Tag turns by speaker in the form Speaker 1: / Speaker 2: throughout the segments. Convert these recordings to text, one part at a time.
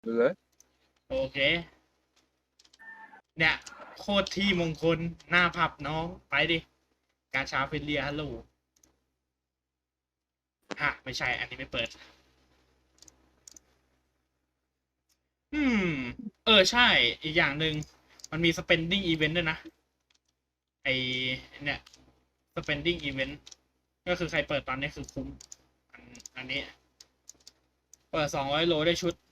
Speaker 1: ดูเลย
Speaker 2: โอเค เนี่ย โคตรที่มงคล หน้าผับน้อง ไปดิ กาชาเฟเลียฮัลโหลฮะไม่ใช่ อันนี้ไม่เปิด อืม ใช่ อีกอย่างหนึ่ง มันมี spending event ด้วยนะ ไอเนี่ย spending event ก็คือใครเปิดตอนนี้คือคุ้ม อันนี้ เปิด200 โลได้ชุด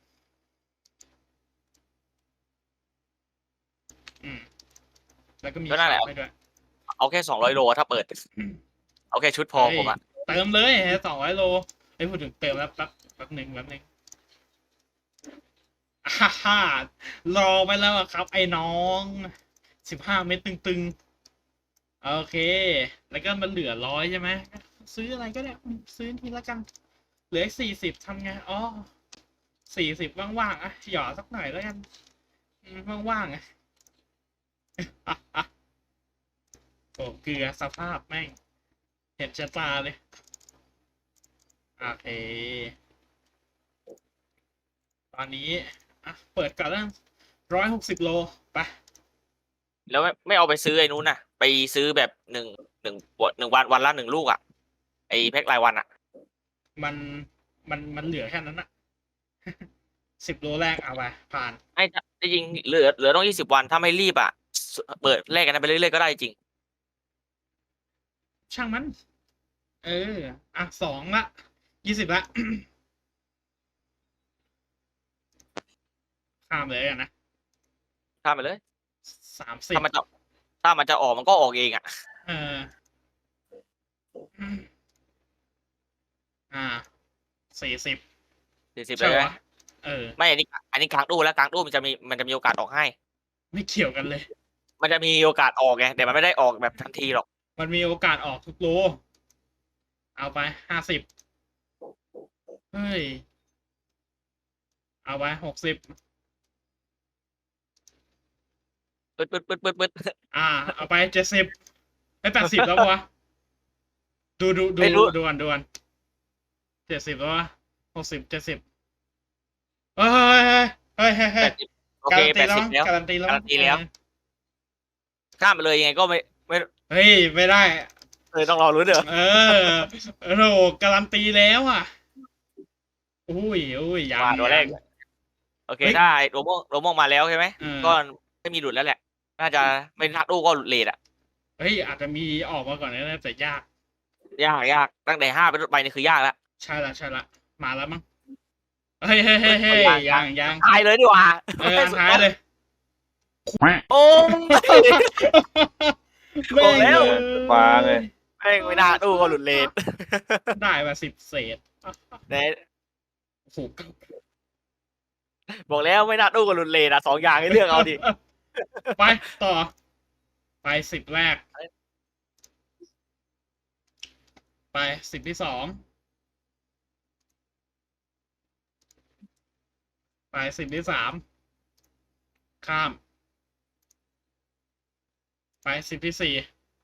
Speaker 2: อืม แล้วก็มี
Speaker 3: ก็นั่นแห
Speaker 2: ขา
Speaker 3: ละ
Speaker 2: วให้ด้วย
Speaker 3: เอาแค่200 โลถ้าเปิด เอาแค่ชุดพอ
Speaker 2: เฮ้ย
Speaker 3: ผมอะ
Speaker 2: เติมเลย200 โลไอ้ยพูดถึงเติมแล้วแป๊บหนึ่งฮ่ารอไปแล้วอะครับ ไอ้น้อง15 เม็ดตึงๆ โอเค แล้วก็มันเหลือ100ใช่ไหม ซื้ออะไรก็ได้ ซื้อทีละกัน เหลือ40ทำไง อ๋อ40ว่างๆ อ่ะ หยอดสักหน่อยแล้วกันว่างๆอ่ะ โอ้เกลือสภาพแม่ง เห็นชะตาเลย โอเค ตอนนี้ อ่ะ เปิดก่อนแล้ว160 โล ไป
Speaker 3: แล้วไม่เอาไปซื้อไอ้นู้นน่ะ ไปซื้อแบบ1 วันละ1 ลูกอะไอ้แพ็ครายวันอะ
Speaker 2: มันมันเหลือแค่นั้นอะ10 โลแรกเอาไปผ่าน
Speaker 3: ให้ได้จริงเหลือต้อง20 วันถ้าไม่รีบอะเปิดแลกกันไปเรื่อยๆก็ได้จริง
Speaker 2: ช่างมัน อ่ะ2 ละ20 ละ ข้ามเลยกันนะ
Speaker 3: ข้ามไปเลย
Speaker 2: 30
Speaker 3: ถ้ามันจะออกมันก็ออกเองอะ
Speaker 2: เอออ่า40
Speaker 3: 40เล
Speaker 2: ใช่
Speaker 3: ย
Speaker 2: ไหม
Speaker 3: นะ
Speaker 2: ไม่
Speaker 3: อันนี้กลางตู้แล้วกลางตู้มันจะมีโอกาสออกให้
Speaker 2: ไม่เกี่ยวกันเลย
Speaker 3: มันจะมีโอกาสออกไงแต่มันไม่ได้ออกแบบทันทีหรอก
Speaker 2: มันมีโอกาสออกทุกโล เอาไป50เฮ้ย เอาไป60
Speaker 3: ปึ๊ด
Speaker 2: เอาไป70ไป80แล้ววะดู
Speaker 3: ไม่รู้
Speaker 2: ก่อน70แล้ววะ60 70เฮ้ย
Speaker 3: 80โอเค
Speaker 2: การันตีแล้ว
Speaker 3: 80แล้ว
Speaker 2: การันตีแล้ว
Speaker 3: การันตีแล้ว ข้ามไปเลยยังไงก็ไม่
Speaker 2: เฮ้ย ไม่ได้
Speaker 3: ต้องรอรู้นเด้อ
Speaker 2: โอ้โหการันตีแล้วอ่ะอุ้ยยัง
Speaker 3: ว่าตัวแรก โอเค
Speaker 2: เฮ้ย
Speaker 3: ได้โรโม่งมาแล้วใช่ไหม
Speaker 2: เออ
Speaker 3: ก็ไม่มีหลุดแล้วแหละ น่าจะไม่ทักลูกก็หลุดเลทอะ
Speaker 2: เฮ้ย อาจจะมีออกมาก่อนนะแต่ยาก
Speaker 3: ยากตั้งแต่5ไปนี่คือยากแล้ว
Speaker 2: ใช่ละมาแล้วมั้งเฮ้ยยัง
Speaker 3: ตายเลยดีกว่า
Speaker 2: ท้ายเลย
Speaker 3: โอ้ย บอกแล้ว
Speaker 1: ฟ้าไง
Speaker 3: แม่งไม่น่าตู้ก็หลุดเลท
Speaker 2: ได้มา10 เศษ
Speaker 3: ไหน
Speaker 2: โอ้โห
Speaker 3: บอกแล้วไม่น่าตู้ก็หลุดเลทอะ2 อย่างให้เลือกเอาดิ
Speaker 2: ไปต่อ ไป10 แรก ไป10 ที่ 2 ไป10 ที่ 3 ข้าม ไป10 ที่ 4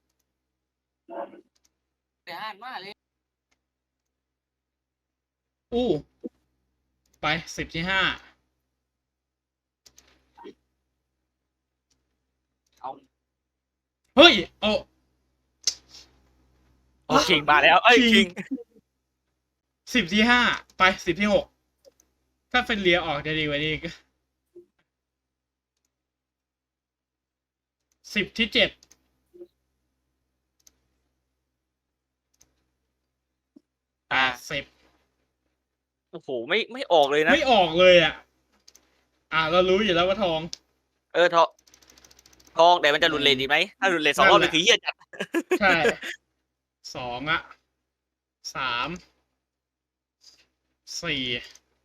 Speaker 2: อู้ไป10 ที่ 5
Speaker 3: เอา
Speaker 2: เฮ้ย โอ้
Speaker 3: คิงมาแล้วเอ้ยคิง
Speaker 2: 10 ที่ 5 ไป10 ที่ 6 ถ้าเฟนเลียออกจะดีกว่านี้10 ที่ 7 80
Speaker 3: โอ้โหไม่ออกเลยนะ
Speaker 2: ไม่ออกเลยอ่ะ เรารู้อยู่แล้วว่าทอง
Speaker 3: ทองแต่มันจะหลุดเลทดีไหมถ้าหลุดเลท2 รอบเลยคือเหี้ยจัด
Speaker 2: ใช่2อ่ะ3 4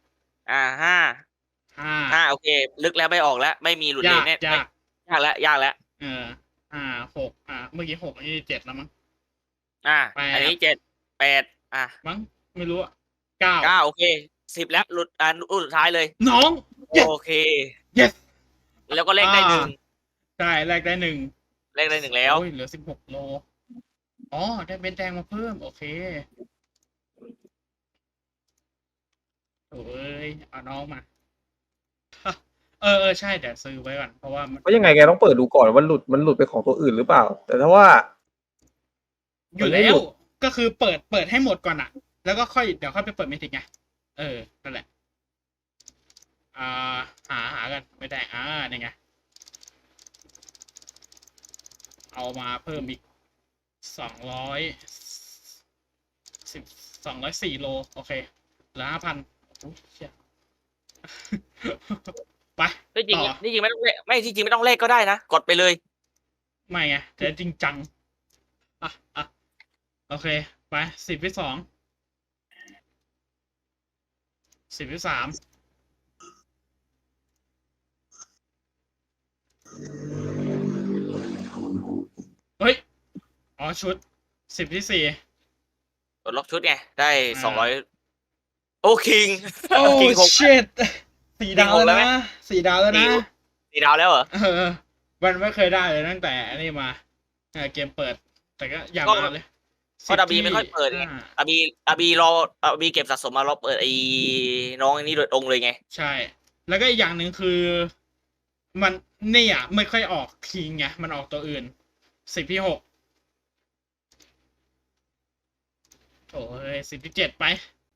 Speaker 3: 5โอเค ลึกแล้วไม่ออกแล้วไม่มีหลุดเลทแน่
Speaker 2: ยาก
Speaker 3: ยากแล้ว
Speaker 2: 6เมื่อกี้6อันนี้7แล้วมั้ง
Speaker 3: อันนี้7 8
Speaker 2: มั้งไม่รู้อะ9
Speaker 3: โอเค10แล้วหลุดลูกสุดท้ายเลย
Speaker 2: น้อง yes
Speaker 3: โอเค
Speaker 2: yes
Speaker 3: แล้วก็เลขได้1
Speaker 2: ใช่แรกได้1
Speaker 3: เลขได้1แล้ว
Speaker 2: โอ้ยเหลือ16 โลอ๋อได้เบ็ดแดงมาเพิ่มโอเคโอ้ยเอาน้องมาใช่เดี๋ยวซื้อไว้ก่อนเพราะว่ามัน
Speaker 1: เพราะยังไงแกต้องเปิดดูก่อนว่ามันหลุดไปของตัวอื่นหรือเปล่า แต่ถ้าว่า
Speaker 2: อยู่แล้วก็คือเปิดให้หมดก่อนอะแล้วก็ค่อยเดี๋ยวค่อยไปเปิดเมทิกไงนั่นแหละอ่าหากันไม่ได้นี่ไงเอามาเพิ่มอีก204 โลโอเคเหลือ5,000โอ้ยเชี่ย ไป
Speaker 3: ที่จริง
Speaker 2: ต่อ
Speaker 3: ที่จริงไม่ต้องเลขไม่ที่จริงไม่ต้องเลขก็ได้นะกดไปเลย
Speaker 2: ไม่ไงแต่จริงจังอ่ะโอเคไป10 วิ 2 10 วิ 3เฮ้ยอ๋อชุด10 ที่ 4
Speaker 3: กดล็อกชุดไงได้
Speaker 2: อ่า
Speaker 3: 200โอ้คิง
Speaker 2: โอ้
Speaker 3: คิงหก
Speaker 2: ชิต4 ดาวแล้ว
Speaker 3: ไหม
Speaker 2: นะ4 ดาวแล้วนะ
Speaker 3: 4 ดาวแล้วเหรอ
Speaker 2: มันไม่เคยได้เลยตั้งแต่อันนี้มาเกมเปิด แต่ก็อย่า
Speaker 3: ก็
Speaker 2: มาเลย
Speaker 3: ก็ดับบีไม่ค่อยเปิดไง อาบีรออาบีเก็บสะสมมารอเปิดไอ้น้องอันนี้โดยตรงเลยไง
Speaker 2: ใช่ แล้วก็อีกอย่างหนึ่งคือ มันเนี่ยไม่ค่อยออกคิงไงมันออกตัวอื่น10 ที่ 6โอ้ย10 ที่ 7ไป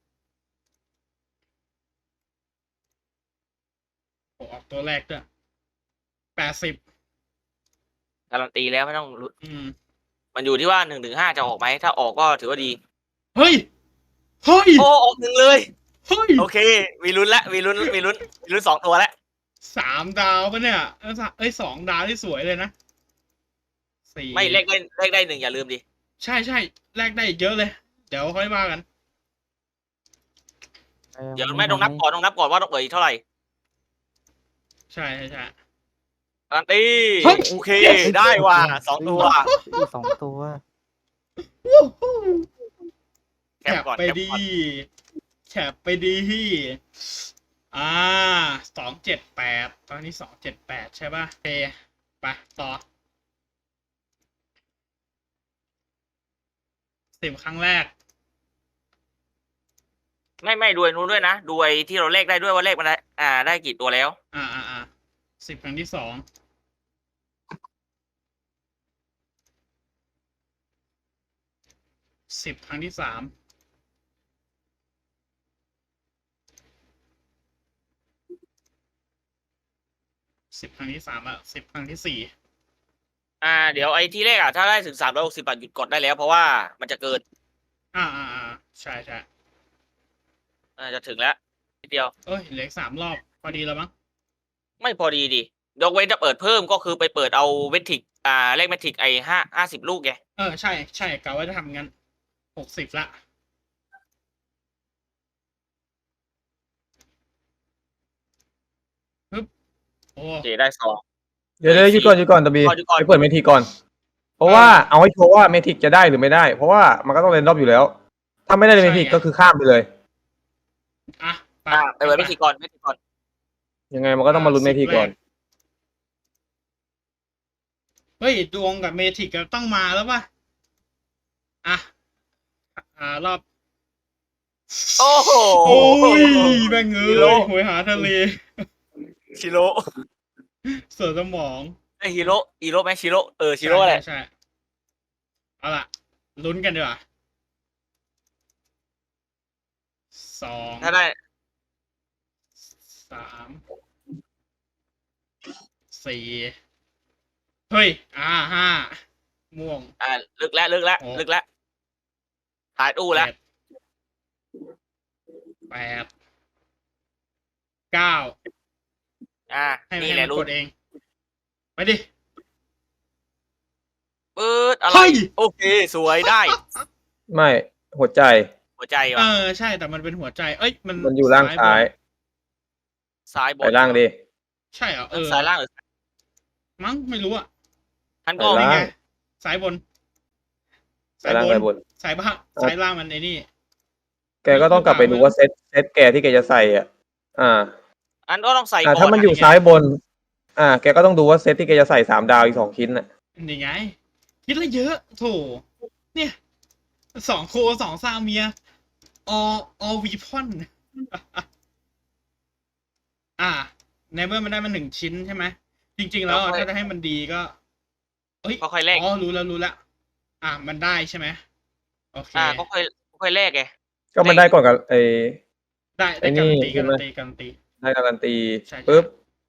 Speaker 2: โอ้ออกตัวแรกด้วย80
Speaker 3: การันตีแล้วไม่ต้องลุ้น
Speaker 2: อืม
Speaker 3: มันอยู่ที่ว่า1 ถึง 5จะออกไหมถ้าออกก็ถือว่าดี
Speaker 2: เฮ้ย เฮ้ย
Speaker 3: โอ้ออก1เลย
Speaker 2: เฮ้ย
Speaker 3: โอเคมีลุ้นละมีลุ้น2 ตัวแล้ว
Speaker 2: 3 ดาวปะเนี่ย2 ดาวที่สวยเลยนะ4
Speaker 3: ไม่เลขได้1อย่าลืมดิ
Speaker 2: ใช่แลกได้อีกเยอะเลย เดี๋ยวค่อยว่ากัน
Speaker 3: เดี๋ยวไม่ต้องนับก่อนว่าต้องเปิดอีกเท่าไหร่
Speaker 2: ใช่
Speaker 3: การันตี
Speaker 2: เฮ้ย
Speaker 3: โอเคได้ว่ะ2 ตัว
Speaker 4: 2 ตัว
Speaker 3: แค
Speaker 2: แค
Speaker 3: ป
Speaker 2: ป
Speaker 3: ก่อน
Speaker 2: ไปดีแคปไปดี278ตอนนี้278ใช่ป่ะโอเคไปต่อ10 ครั้งแรก
Speaker 3: ไม่ดูไอ้นู้นด้วยนะดูไอ้ที่เราเลขได้ด้วยว่าเลขมันได้ได้กี่ตัวแล้ว
Speaker 2: 10 ครั้งที่ 2 10 ครั้งที่ 3 10 ครั้งที่ 3อ่ะ10 ครั้งที่ 4
Speaker 3: เดี๋ยวไอ้ที่เลขถ้าได้ถึง360บาทหยุดกดได้แล้วเพราะว่ามันจะเกิน
Speaker 2: ใช่
Speaker 3: จะถึงแล้วนิดเดียว
Speaker 2: เอ้ยเหลือ3 รอบพอดีแล้วมั้ง
Speaker 3: ไม่พอดีดิยกเว้นจะเปิดเพิ่มก็คือไปเปิดเอาเวทิกเลขเมทิกไอ้50 ลูกไง
Speaker 2: ใช่กะว่าจะทำงั้น60ละปึ๊บโอ้
Speaker 3: โอเคได้2
Speaker 1: เดี๋ยวหยุดก่อนตะบี
Speaker 3: หยุดก่อน
Speaker 1: ไปเปิดเมทิกก่อน เพราะว่าเอาให้ชัวร์ว่าเมทิกจะได้หรือไม่ได้ เพราะว่ามันก็ต้องเรนดอมอยู่แล้ว ถ้าไม่ได้เมทิกก็คือข้ามไปเลย
Speaker 2: อ่ะไป
Speaker 3: ไปเปิดเมทิกก่อน
Speaker 1: ยังไงมันก็ต้องมาลุ้นเมทิกก่อน
Speaker 2: เฮ้ยดวงกับเมทิกก็ต้องมาแล้วป่ะรอบ
Speaker 3: โอ้โห
Speaker 2: โอ้ยแม่งเอ้
Speaker 3: ฮีโร่
Speaker 2: ยหวยหาทะเล
Speaker 3: ชิโร่
Speaker 2: เสือสมอง
Speaker 3: ไอ้ฮีโร่ไหมชิโร่ชิโร่แหละ
Speaker 2: ใช่เอาล่ะลุ้นกันดีกว่า2
Speaker 3: ถ้าได้
Speaker 2: 3 4เฮ้ย5ม่วง
Speaker 3: ลึกแล้วถ่ายตู้แล้ว
Speaker 2: 8 9ให้
Speaker 3: นี่
Speaker 2: ให้
Speaker 3: แห
Speaker 2: มั
Speaker 3: ละ
Speaker 2: น
Speaker 3: รู้
Speaker 2: กดเอง ไปดิ
Speaker 3: เปิดอะไร
Speaker 2: เฮ้ย
Speaker 3: โอเคสวยได้
Speaker 1: ไม่หัวใจ
Speaker 3: หัวใจว่ะ
Speaker 2: ใช่แต่มันเป็นหัวใจ เอ้ยมัน
Speaker 1: มันอยู่ล่างซ้าย
Speaker 3: ซ้ายบ
Speaker 1: ไป
Speaker 3: น
Speaker 1: ล่างดิ
Speaker 2: ใช่เหรอ
Speaker 3: ซ้ายล่างหรือ
Speaker 2: มั้งไม่รู้อ่ะ
Speaker 3: ทัน
Speaker 1: ไป
Speaker 3: ก็
Speaker 1: ล่าง
Speaker 2: นี่ไงสายบน
Speaker 1: ไปล่างไปบน
Speaker 2: สายบ้างสายล่างมันไอ้นี่
Speaker 1: แกก็ต้องกลับไปดูว่าเซตแกที่แกจะใส่
Speaker 3: อันก็ต้องใส่ก่อน
Speaker 1: ถ้ามันอยู่ซ้ายบน แกก็ต้องดูว่าเซตที่แกจะใส่3 ดาวอีก2 ชิ้นน่ะ
Speaker 2: นี่ไง คิดละเยอะโถเนี่ย2 โค 2 ซาเมียอวีพอนในเมื่อมันได้มา1 ชิ้นใช่ไหมจริง ๆ แล้วถ้าจะให้มันดีก็เอ้ย
Speaker 3: ก็ค่อยแลก
Speaker 2: อ๋อรู้แล้วมันได้ใช่ไหมโอเค
Speaker 3: ก็ค่อยแลกไง
Speaker 1: ก็มันได้ก่อนกับ
Speaker 2: ได้
Speaker 1: ไอ้
Speaker 2: การันตี
Speaker 1: นี่ใช่
Speaker 2: การั
Speaker 1: ไหม
Speaker 2: นตีการันตี
Speaker 1: ได้การันตี
Speaker 2: ใช่
Speaker 1: ปุ๊บ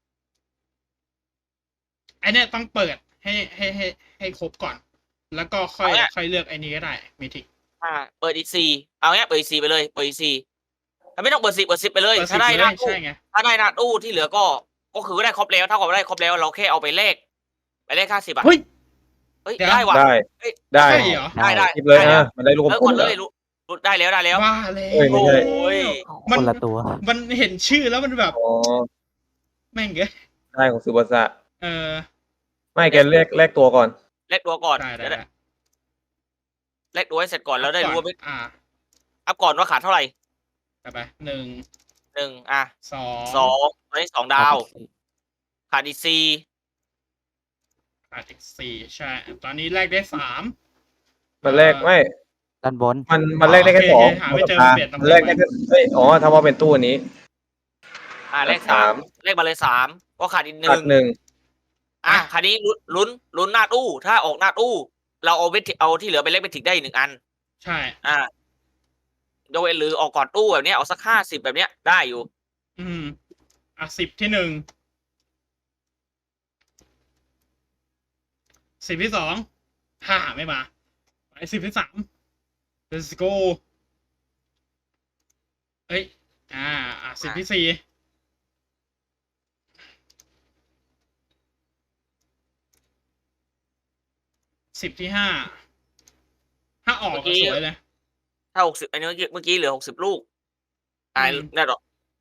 Speaker 2: ไอเนี้ยต้องเปิดให้ครบก่อน แล้วก็ค่อยเลือกไอ้นี้ก็ได้มิทิก
Speaker 3: เปิดอีก4เอาเงี้ยเปิดอีก4ไปเลยเปิดอีก4ถ้าไม่ต้องเปิด10ไปเลย
Speaker 2: เปิด
Speaker 3: ถ้าได้
Speaker 2: 10
Speaker 3: นา
Speaker 2: เลย
Speaker 3: ตู้
Speaker 2: ใช่ไง
Speaker 3: ถ้าได้นาตู้ที่เหลือก็คือได้ครบแล้วเท่ากับได้ครบแล้วเราแค่เอาไปแลกค่า10
Speaker 2: เฮ้ย
Speaker 3: เฮ้ย
Speaker 2: เดี๋ยว
Speaker 3: ได้ว่ะ
Speaker 1: ได้
Speaker 3: เฮ้ย
Speaker 1: ได้
Speaker 2: ใช่เหรอ
Speaker 3: ได้
Speaker 1: หยิบเลย
Speaker 3: ได้
Speaker 1: มันได้ลูกกล
Speaker 3: ก
Speaker 1: ม
Speaker 3: ด
Speaker 1: ๆ
Speaker 3: เล
Speaker 1: เลย ย
Speaker 3: ได้แล้ว
Speaker 2: ว่าแล้ว
Speaker 1: เอ้ยไม่ใช่
Speaker 3: โอ้ย
Speaker 2: มั
Speaker 4: คน นละตัว
Speaker 2: มันเห็นชื่อแล้วมันแบบ
Speaker 1: อ๋อ
Speaker 2: แม่งเอ้ย
Speaker 1: ได้ของซูบาสะ
Speaker 2: เออ
Speaker 1: ไม่แกแลกตัวก่อน
Speaker 3: แลกตัวก่อน
Speaker 2: ได้
Speaker 3: แลกตัวให้เสร็จก่อนแล้วได้รู้ว่า
Speaker 2: อัพ
Speaker 3: ก่อนว่าขาดเท่าไหร่
Speaker 2: ไป1
Speaker 3: 1
Speaker 2: 2
Speaker 3: 2ตอนนี้2 ดาว ขาดอีก4
Speaker 2: ขาดอีก4ใช่ ตอนนี้แลกได้3
Speaker 1: มันแลกไม่
Speaker 4: ด้านบน
Speaker 1: มันแลกได้แค่
Speaker 2: โอเค
Speaker 1: 2
Speaker 2: หาไม่เจอเปลี่ยนตำแหน่ง
Speaker 1: มันแลกได้แค่ถ้าว่าเป็นตู้อันนี้
Speaker 3: แลก
Speaker 1: สาม
Speaker 3: 3เลขมาเลย3ก็ขาดอีก
Speaker 1: ขาด
Speaker 3: 1
Speaker 2: อ่ะ
Speaker 3: คราวนี้ลุ้นหน้าตู้ถ้าออกหน้าตู้เราเอาที่เหลือไปเล็กไปถิกได้อีก1 อัน
Speaker 2: ใช่
Speaker 3: ยกเว้นหรือออกก่อนตู้แบบเนี้ยเอาสัก50แบบเนี้ยได้อยู่
Speaker 2: 10 ที่ 1 10 ที่ 2ไม่มาไป10 ที่ 3 let's go เอ้ย10 ที่ 4 10 ที่ 5ถ้าออกก็สวยเลย
Speaker 3: ถ้า60อันนี้เมื่อกี้เหลือ60 ลูกนั่นหรอ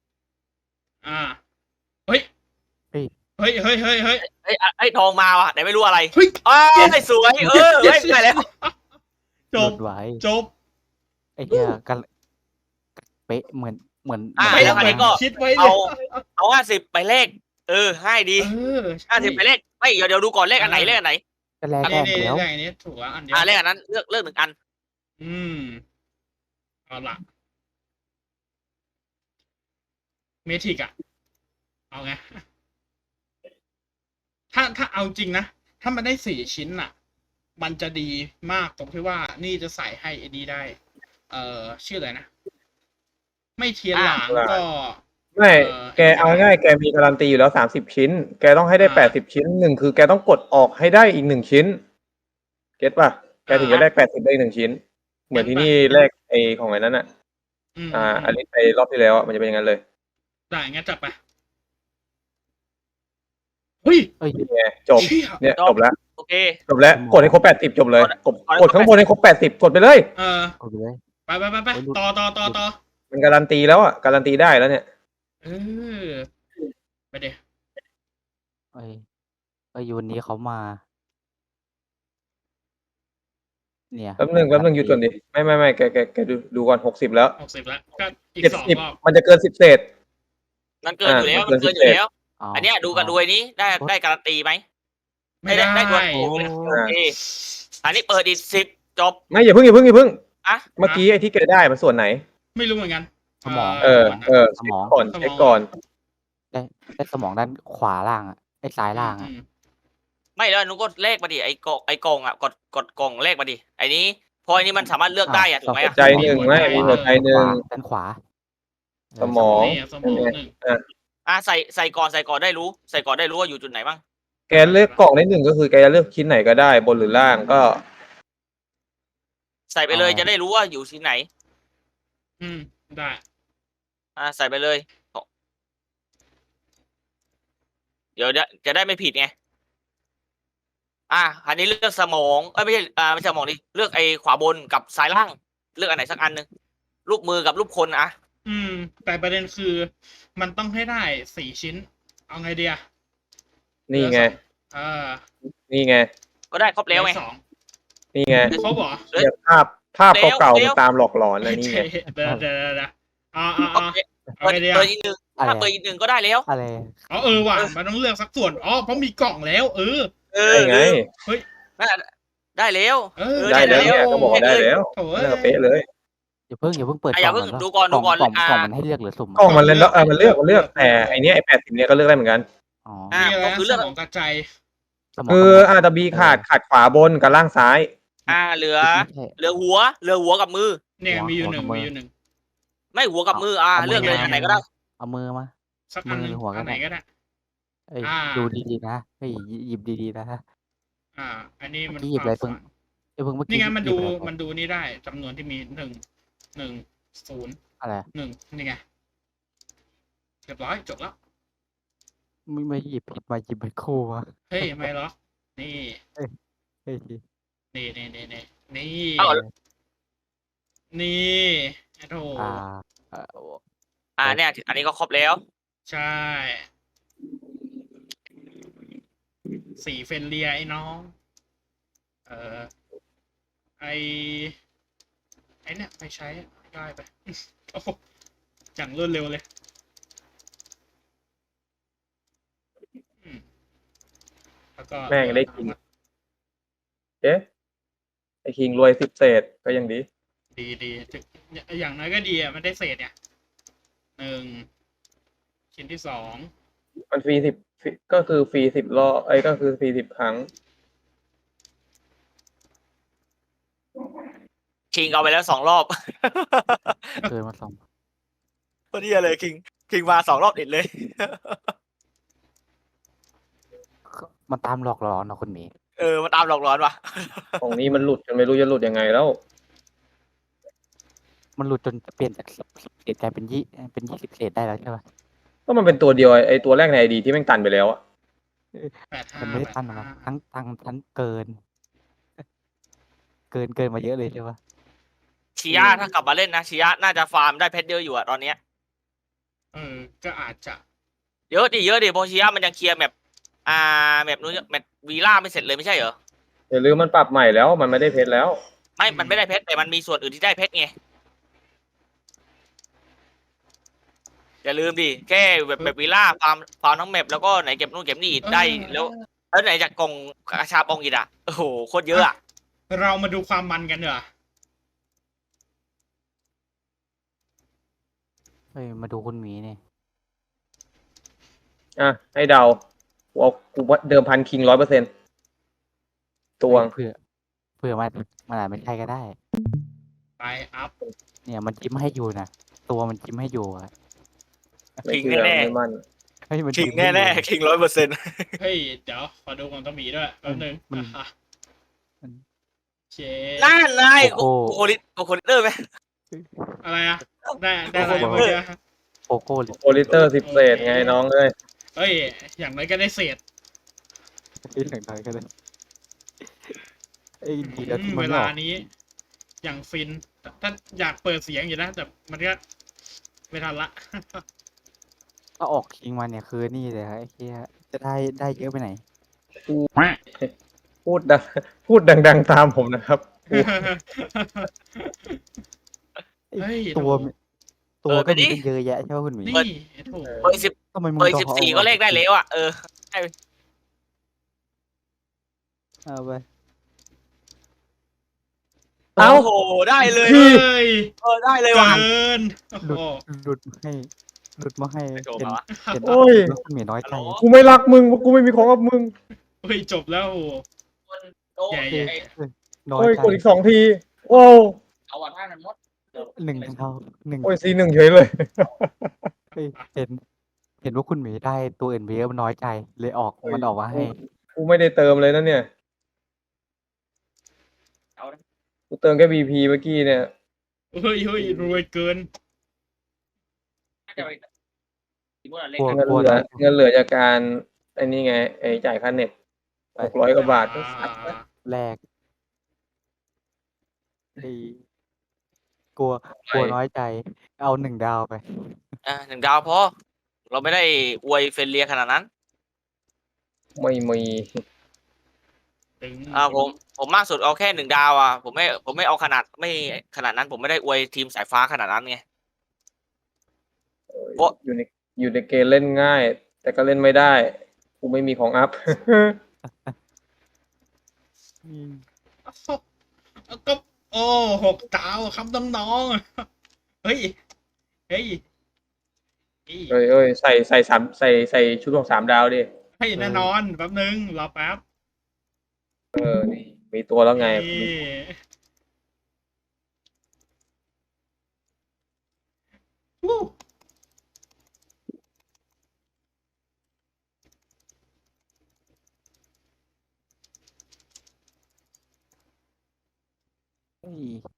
Speaker 2: เฮ้ย
Speaker 4: เฮ้ย
Speaker 2: เฮ้ยเฮ้ยเฮ้ยเฮ้ย
Speaker 3: ไอ้ทองมาว่ะแต่ไม่รู้อะไร
Speaker 2: เฮ้ย
Speaker 3: สวยได้แล้ว
Speaker 2: จ
Speaker 4: ห
Speaker 2: บ
Speaker 4: ลุดไว้
Speaker 2: จบ
Speaker 4: ไอ้เหี้ยกันเป๊ะเหมือน
Speaker 3: ไม่แล้วคราวนี้ก็
Speaker 2: คิดไว้
Speaker 3: เอา50ไปเลขให้ดี 50ไปเลขไม่เดี๋ยวดูก่อนเลขอันไหน
Speaker 4: จะแลก
Speaker 2: นี่
Speaker 4: แก้มแล้ว
Speaker 2: อย่างนี้ถูกแล้วอันเดียว
Speaker 3: เลขอันนั้นเลือก1 อัน
Speaker 2: เอาละเมทิกเอาไงถ้าเอาจริงนะถ้ามันได้4 ชิ้นน่ะ มันจะดีมากตรงที่ว่านี่จะใส่ให้ไอ้นี้ได้ ชื่ออะไรนะ ไม่เทียนหลางก็
Speaker 1: ไม่แกเอาง่ายแกมีการันตีอยู่แล้ว30 ชิ้น แกต้องให้ได้80 ชิ้น1คือแกต้องกดออกให้ได้อีก1 ชิ้น เก็ตป่ะแกถึงจะได้80ได้1 ชิ้น เหมือนที่นี่แลกไอของไอ้นั้นอันนี้ไปรอบที่แล้วมันจะเป็นอย่างนั้นเลย
Speaker 2: ได้งั้นจับไปเฮ้ย
Speaker 4: เอ้ย
Speaker 1: เนี่ยจบ
Speaker 2: เชี่ย
Speaker 1: เนี่ยจบแล้ว
Speaker 3: โอเค
Speaker 1: จบแล้วกดให้ครบ80จบเลยกดข้างบนให้ครบ80กดไปเลย
Speaker 4: กดไปเลย
Speaker 2: ไปต่อ
Speaker 1: มันการันตีแล้วการันตีได้แล้วเนี่ย
Speaker 2: ไปเดี๋ยว
Speaker 4: เอ้ยวันนี้เขามา เนี่ย
Speaker 1: แป๊บนึงหยุดก่อนดิไม่แกดูก่อน60แล้ว
Speaker 2: 60แล้วก็อีก2
Speaker 1: 70
Speaker 2: รอบ
Speaker 1: มันจะเกิน10เศษ
Speaker 3: มันเกินอยู่แล้ว อันเนี้ยดูกันด้วยนี้ได้การันตีไหม
Speaker 2: ไม่ได้
Speaker 3: ได้ด้วยโอเคอันนี้เปิดอีก10จบ
Speaker 1: ไม่อย่าเพิ่ง
Speaker 3: อ่ะ
Speaker 1: เมื่อกี้ไอ้ที่แกได้มันส่วนไหน
Speaker 2: ไม่รู้เหมือนกัน
Speaker 4: สมอง
Speaker 1: เช็คก่อนเช็คก่อน
Speaker 4: ได้สมองด้านขวาล่างไอ้ซ้ายล่าง
Speaker 3: ไม่แล้วนุก็เลขมาดิไอ้กล่องกดกล่องเลขมาดิไอ้นี้พออันนี้มันสามารถเลือกได้ถูกไหม
Speaker 1: ใจหนึ่งไม่มีหัวใจหนึ่ง
Speaker 4: ด้านขวา
Speaker 1: สมอง
Speaker 2: สมองหนึ่ง
Speaker 3: ใส่ก่อนได้รู้ใส่ก่อนได้รู้ว่าอยู่จุดไหนบ้าง
Speaker 1: แกเลือกกล่องได้1ก็คือแกจะเลือกชิ้นไหนก็ได้บนหรือล่างก็
Speaker 3: ใส่ไปเลยจะได้รู้ว่าอยู่ที่ไหน
Speaker 2: ได้
Speaker 3: ใส่ไปเลยเดี๋ยวจะได้ไม่ผิดไงอันนี้เลือกสมองไม่ใช่ไม่ใช่สมองดิเลือกไอ้ขวาบนกับซ้ายล่าง เลือกอันไหนสักอันนึงรูปมือกับรูปคน
Speaker 2: แต่ประเด็นคือมันต้องให้ได้4 ชิ้น เอาไงเดีย
Speaker 1: นี่ไง นี่ไง
Speaker 3: ก็ได้ครบแล้วไง
Speaker 1: นี่ไง
Speaker 2: ครบเหรอ
Speaker 1: เนี่ยภาพเก่าๆมันตามหลอกหลอนนะนี่ไง
Speaker 2: เดี๋ยวเอาไงเดีย
Speaker 3: เปิดอีก1ถ้าเปิดอีก1ก็ได้แล้ว
Speaker 4: อะไร
Speaker 2: ว่ะมันต้องเลือกสักส่วนเพราะมีกล่องแล้ว
Speaker 1: ได้ไง
Speaker 3: ได้แล้ว
Speaker 1: ได้แล้วเนี่ยก็บอกได้แล้ว
Speaker 2: โถ่
Speaker 1: เป๊ะเลย
Speaker 4: อย่าเพิ่งเปิด
Speaker 3: อ่ะอย่าเพิ่ง
Speaker 4: ก่อน
Speaker 3: ดูก่อน
Speaker 4: กล่อง
Speaker 3: ดูก่อน
Speaker 4: กล่อง
Speaker 3: อ่า
Speaker 4: กล่องมันให้เลือกหรือสุ่ม
Speaker 1: กล่องมันเลือกมันเลือกแต่ไอเนี้ยไอ80เนี่ยก็เลือกได้เหมือนกัน
Speaker 4: อ๋อ
Speaker 3: อ่ะ
Speaker 2: มีอะไร
Speaker 3: ก็
Speaker 2: นะ
Speaker 3: คือ
Speaker 2: ส
Speaker 3: เลือก
Speaker 2: มองกระจาย
Speaker 4: สมอง
Speaker 1: คือ
Speaker 4: สมอง
Speaker 1: อาจจะบีขาดขวาบนกับล่างซ้าย
Speaker 3: เหลือ
Speaker 4: ไม่ใช่
Speaker 3: เหลือหัวกับมือ
Speaker 2: เนี่ย
Speaker 4: หัว
Speaker 2: มีอยู่
Speaker 4: หัว
Speaker 2: หนึ่ง
Speaker 4: กับมือ
Speaker 2: มีอยู่หนึ่ง
Speaker 3: ไม่หัวกับมือ
Speaker 4: เอามือ
Speaker 3: เลือกเลย
Speaker 4: มา
Speaker 3: อันไหนก็ได้
Speaker 4: เอามือมา
Speaker 2: สักอันหนึ่ง
Speaker 4: มือหรือหัวก็
Speaker 2: อันไหน
Speaker 4: ได้
Speaker 2: ก็ได้
Speaker 4: เอ้ย
Speaker 2: อ่า
Speaker 4: ดูดีๆนะเฮ้ยหยิบดีๆนะ
Speaker 2: อันนี้
Speaker 4: เมื่
Speaker 2: มั
Speaker 4: อน กี้หยิบอะไร
Speaker 2: ควา
Speaker 4: เพิ่ง
Speaker 2: ฝัน
Speaker 4: เพิ่งเมื่อ
Speaker 2: นี่
Speaker 4: กี้
Speaker 2: ไงมัน
Speaker 4: หยิ
Speaker 2: ดู
Speaker 4: บอะไรไป
Speaker 2: มันดูนี่ได้จำนวนที่มีหนึ่งศูนย์
Speaker 4: อะไร
Speaker 2: หนึ่งนี่ไงเรียบร้อยจบแล้ว
Speaker 4: ไม่หยิบผิดมาหยิบเป็นคู่มา
Speaker 2: เฮ้ยไม่หรอกนี่
Speaker 4: เฮ้ย
Speaker 2: นี่นี่
Speaker 3: เอ้า
Speaker 2: นี่โธ่
Speaker 3: เนี่ย อันนี้ก็ครบแล้ว
Speaker 2: ใช่สีเฟนเลียไอ้น้อง ไอเนี่ยไปใช้ได้ไป โอ้โหจังรวดเร็วเลยแล้วก็
Speaker 1: แม่งได้กิน เอ๊ะไอคิงรวย10 เศษก็ยังดี
Speaker 2: ดีอย่างน้อยก็ดีอ่ะมันได้เศษเนี่ยหนึ่งชิ้นที่สอง
Speaker 1: มันฟรี10ก็คือฟรี10 รอบไอ้ก็คือฟรี10 ครั้ง
Speaker 3: คิงเอาไปแล้ว2 รอบ
Speaker 4: เกินมาสอง
Speaker 3: พอดีเลยคิงมา2 รอบติดเลย
Speaker 4: มันตามหลอกหลอนนะคุณหมี
Speaker 3: มันตามหลอกหลอนว่ะ
Speaker 1: ของนี้มันหลุดจนไม่รู้จะหลุดยังไงแล้ว
Speaker 4: มันหลุดจนเปลี่ยนจาก10 เศษกลายเป็น20 เศษได้แล้วใช่ปะ
Speaker 1: ก็มันเป็นตัวเดียวไอตัวแรกในไอดีที่แม่งตันไปแล้วอะ
Speaker 2: 85
Speaker 4: มันไม่ได้ตั้งนะทั้งเกิน เกินมาเยอะเลยใช่ปะ
Speaker 3: ชิยะถ้ากลับมาเล่นนะชิยะน่าจะฟาร์มได้เพชรเยอะอยู่อะตอนเนี้ย
Speaker 2: ก็อาจจะ
Speaker 3: เยอะดิเพราะชิยะมันยังเคลียร์แมปแมปนู้นแมปวีล่าไม่เสร็จเลยไม่ใช่เหรอ
Speaker 1: อย่าลืมมันปรับใหม่แล้วมันไม่ได้เพชรแล้ว
Speaker 3: มันไม่ได้เพชรแต่มันมีส่วนอื่นที่ได้เพชรไงอย่าลืมดิแค่แบบวีล่าฟาร์มทั้งแมปแล้วก็ไหนเก็บนู่นเก็บนี่ได้แล้วไหนจากกล่องกระชาปองอีกอะโอ้โหโคตรเยอะอะ
Speaker 2: เรามาดูความมันกันเหรอ
Speaker 4: เฮ้ยมาดูคุณหมีนี่
Speaker 1: อ่ะให้เดากูว่าเดิมพันคิง100%ตวง
Speaker 4: เผื่อมันอาจไม่ใช่ก็ได้
Speaker 2: ไปอัพ
Speaker 4: เนี่ยมันจิ้มให้อยู่นะตัวมันจิ้มให้อยู่อะ
Speaker 1: ไม่เชื่อไม่มั่น
Speaker 4: เฮ้ยมัน
Speaker 3: คิง
Speaker 4: จิ้มให้อยู่
Speaker 3: แน่ๆคิง100%
Speaker 2: เฮ้ยเดี๋ยวขอดูของตะหมีด้วยแป๊บนึง
Speaker 4: มัน
Speaker 2: เช
Speaker 3: นั่นนาย
Speaker 4: โอ้โห
Speaker 3: โคลิเตอร์ไหม
Speaker 2: อะไรอะได้อะไรเมื่อกี้
Speaker 4: โกโก้เลย
Speaker 1: โอลิเตอร์10 เศษไงน้องเอ้ย
Speaker 2: เฮ้ยอย่างไรก็ได้เศษ
Speaker 4: อย่างไรก็ได้ไอ้ดีแล้วที่มั
Speaker 2: เวน
Speaker 4: ไม่อ
Speaker 2: ลา
Speaker 4: อก
Speaker 2: นี้ อย่างฟินถ้าอยากเปิดเสียงอยู่นะแต่มันก็ไม่ทันละ
Speaker 4: ถ้าออกคิงมาเนี่ยคือนี่เลยครับไอ้เหี้ยจะได้เยอะไปไหน
Speaker 1: พูดดังๆตามผมนะครับ
Speaker 2: เฮ้ย
Speaker 4: ตัว
Speaker 3: เออ
Speaker 4: ก็
Speaker 3: ไปดิ
Speaker 4: มีตั้งเยอะแยะใช่ไหมคุณหมี
Speaker 2: นี่โถ
Speaker 3: เบอร์10
Speaker 4: ทำไมมึง
Speaker 3: เบอร์
Speaker 4: ต้อง
Speaker 3: 14ก็เลขได้แล้วอ่ะ
Speaker 4: เอาไป
Speaker 1: เอ้า
Speaker 3: โอ้โหได้เลย
Speaker 2: เฮ้ย
Speaker 3: ได้เลย
Speaker 2: เกิ
Speaker 3: ว่ะ
Speaker 2: นโอ้
Speaker 4: หลุด
Speaker 2: โห
Speaker 4: หลุดมาให้
Speaker 3: ไม่โดน
Speaker 4: เห็น
Speaker 3: มาวะ
Speaker 4: เห็น
Speaker 1: โอ้ย
Speaker 4: แล้วคุณหมีน้อยใจ
Speaker 3: ฮัลโหล
Speaker 1: กูไม่รักมึงกูไม่มีของกับมึง
Speaker 2: เฮ้ยจบแล้วโอ้โห
Speaker 3: โอ้
Speaker 2: ใหญ่
Speaker 3: ย
Speaker 4: น้อย
Speaker 1: โอ้ย
Speaker 4: ใจ
Speaker 1: กดอีก2 ทีว้าว
Speaker 3: เอาวันให้มันหมด
Speaker 4: หนึ่งเท่าหนึ่ง
Speaker 1: โอ้ยC1เฉยเลย
Speaker 4: เฮ้ยเห็นว่าคุณหมีได้ตัวอื่นไปเยอะมันน้อยใจเลยมันออกมาให้
Speaker 1: กูไม่ได้เติมเลยนะเนี่ย
Speaker 3: เอานะ
Speaker 1: กูเติมแค่ BP เมื่อกี้เนี่ย
Speaker 2: เฮ้ยรวยเกิน
Speaker 3: น่าจะไปที่พวกเราเล่น
Speaker 4: กลัว
Speaker 3: กัน
Speaker 1: เงินเหลือจากการไอ้นี่ไงไอ้จ่ายค่าเน็ต600 กว่าบาท
Speaker 4: แรกไอ้กลัวน้อยใจ เอา1 ดาวไป
Speaker 3: 1 ดาวพอเราไม่ได้อวยเฟรนเลียขนาดนั้น
Speaker 1: ไม่มี
Speaker 2: ถึง
Speaker 3: ผมมากสุดเอาแค่1 ดาวอ่ะผมไม่เอาขนาดนั้นผมไม่ได้อวยทีมสายฟ้าขนาดนั้นไง โอ๊ะ
Speaker 1: อยู่ในเกมเล่นง่าย แต่ก็เล่นไม่ได้ กูไม่มีของอัพ
Speaker 2: ก็โอ้6 ดาวครับน้องๆเฮ้ยเฮ้ยเฮ้ย
Speaker 1: เอ้ยใส่ชุดของ3 ดาวดิ
Speaker 2: เฮ้ยแน่นอนแป๊บนึงรอแป๊บ
Speaker 1: นี่มีตัวแล้วไง
Speaker 2: นี่วู้
Speaker 4: เฮ้ย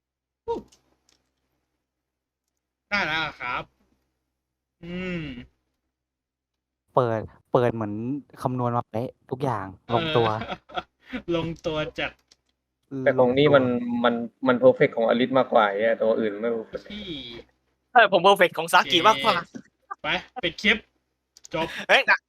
Speaker 2: ได้แล้วครับ อืม
Speaker 4: เปิดเหมือนคำนวณมาเป๊ะทุกอย่างลงตัว
Speaker 2: ลงตัวจัด
Speaker 1: แต่ของนี่
Speaker 4: ลตัว
Speaker 1: มันเพอร์เฟกของอลิสมากกว่าไอ้ตัวอื่นไม่เพอร์เฟก
Speaker 2: ที่
Speaker 3: ผมเพอร์เฟกของซากิมากกว่า
Speaker 2: ไปปิดคลิป จบ
Speaker 3: เฮ้ย